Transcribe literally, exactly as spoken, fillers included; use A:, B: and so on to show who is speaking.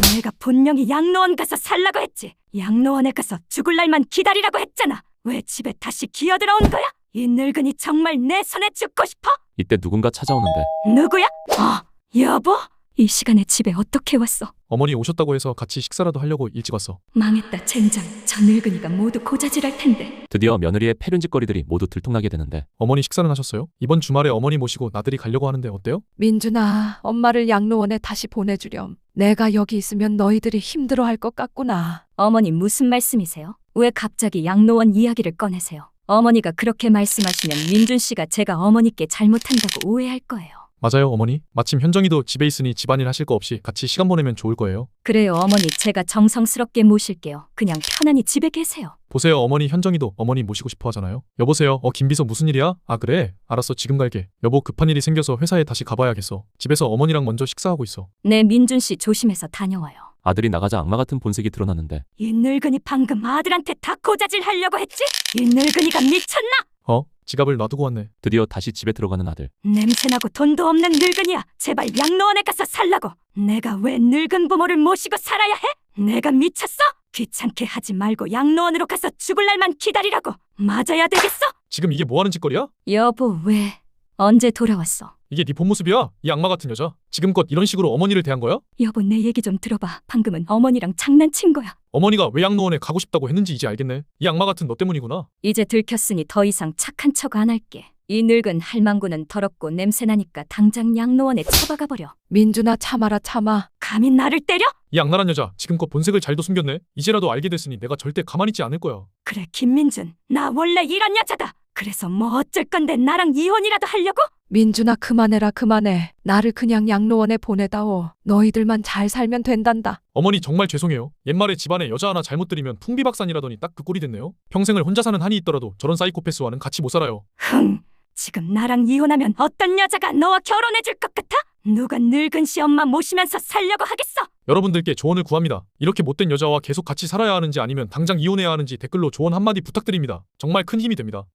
A: 내가 분명히 양로원 가서 살라고 했지. 양로원에 가서 죽을 날만 기다리라고 했잖아. 왜 집에 다시 기어들어온 거야? 이 늙은이 정말 내 손에 죽고 싶어?
B: 이때 누군가 찾아오는데
A: 누구야? 어, 여보? 이 시간에 집에 어떻게 왔어?
C: 어머니 오셨다고 해서 같이 식사라도 하려고 일찍 왔어.
A: 망했다 젠장. 저 늙은이가 모두 고자질할 텐데.
B: 드디어 며느리의 패륜짓거리들이 모두 들통나게 되는데
C: 어머니 식사는 하셨어요? 이번 주말에 어머니 모시고 나들이 가려고 하는데 어때요?
D: 민준아, 엄마를 양로원에 다시 보내주렴. 내가 여기 있으면 너희들이 힘들어할 것 같구나.
A: 어머니 무슨 말씀이세요? 왜 갑자기 양로원 이야기를 꺼내세요? 어머니가 그렇게 말씀하시면 민준 씨가 제가 어머니께 잘못한다고 오해할 거예요.
C: 맞아요 어머니. 마침 현정이도 집에 있으니 집안일 하실 거 없이 같이 시간 보내면 좋을 거예요.
A: 그래요 어머니, 제가 정성스럽게 모실게요. 그냥 편안히 집에 계세요.
C: 보세요 어머니, 현정이도 어머니 모시고 싶어 하잖아요. 여보세요. 어 김비서 무슨 일이야? 아 그래? 알았어 지금 갈게. 여보 급한 일이 생겨서 회사에 다시 가봐야겠어. 집에서 어머니랑 먼저 식사하고 있어.
A: 네, 민준 씨 조심해서 다녀와요.
B: 아들이 나가자 악마 같은 본색이 드러나는데
A: 이 늙은이 방금 아들한테 다 고자질 하려고 했지? 이 늙은이가 미쳤나?
C: 어? 지갑을 놔두고 왔네.
B: 드디어 다시 집에 들어가는 아들.
A: 냄새나고 돈도 없는 늙은이야. 제발 양로원에 가서 살라고. 내가 왜 늙은 부모를 모시고 살아야 해? 내가 미쳤어? 귀찮게 하지 말고 양로원으로 가서 죽을 날만 기다리라고. 맞아야 되겠어?
C: 지금 이게 뭐 하는 짓거리야?
A: 여보, 왜? 언제 돌아왔어?
C: 이게 네 본 모습이야? 이 악마 같은 여자. 지금껏 이런 식으로 어머니를 대한 거야?
A: 여보, 내 얘기 좀 들어봐. 방금은 어머니랑 장난친 거야.
C: 어머니가 왜 양로원에 가고 싶다고 했는지 이제 알겠네. 이 악마 같은 너 때문이구나.
A: 이제 들켰으니 더 이상 착한 척 안 할게. 이 늙은 할망구는 더럽고 냄새나니까 당장 양로원에 처박아 버려.
D: 민준아, 참아라 참아.
A: 감히 나를 때려?
C: 이 악랄한 여자 지금껏 본색을 잘도 숨겼네. 이제라도 알게 됐으니 내가 절대 가만히 있지 않을 거야.
A: 그래, 김민준. 나 원래 이런 여자다. 그래서 뭐 어쩔 건데 나랑 이혼이라도 하려고?
D: 민준아, 그만해라 그만해. 나를 그냥 양로원에 보내다오. 너희들만 잘 살면 된단다.
C: 어머니 정말 죄송해요. 옛말에 집안에 여자 하나 잘못 들이면 풍비박산이라더니 딱 그 꼴이 됐네요. 평생을 혼자 사는 한이 있더라도 저런 사이코패스와는 같이 못 살아요.
A: 흥, 지금 나랑 이혼하면 어떤 여자가 너와 결혼해 줄 것 같아? 누가 늙은 시엄마 모시면서 살려고 하겠어?
C: 여러분들께 조언을 구합니다. 이렇게 못된 여자와 계속 같이 살아야 하는지 아니면 당장 이혼해야 하는지 댓글로 조언 한마디 부탁드립니다. 정말 큰 힘이 됩니다.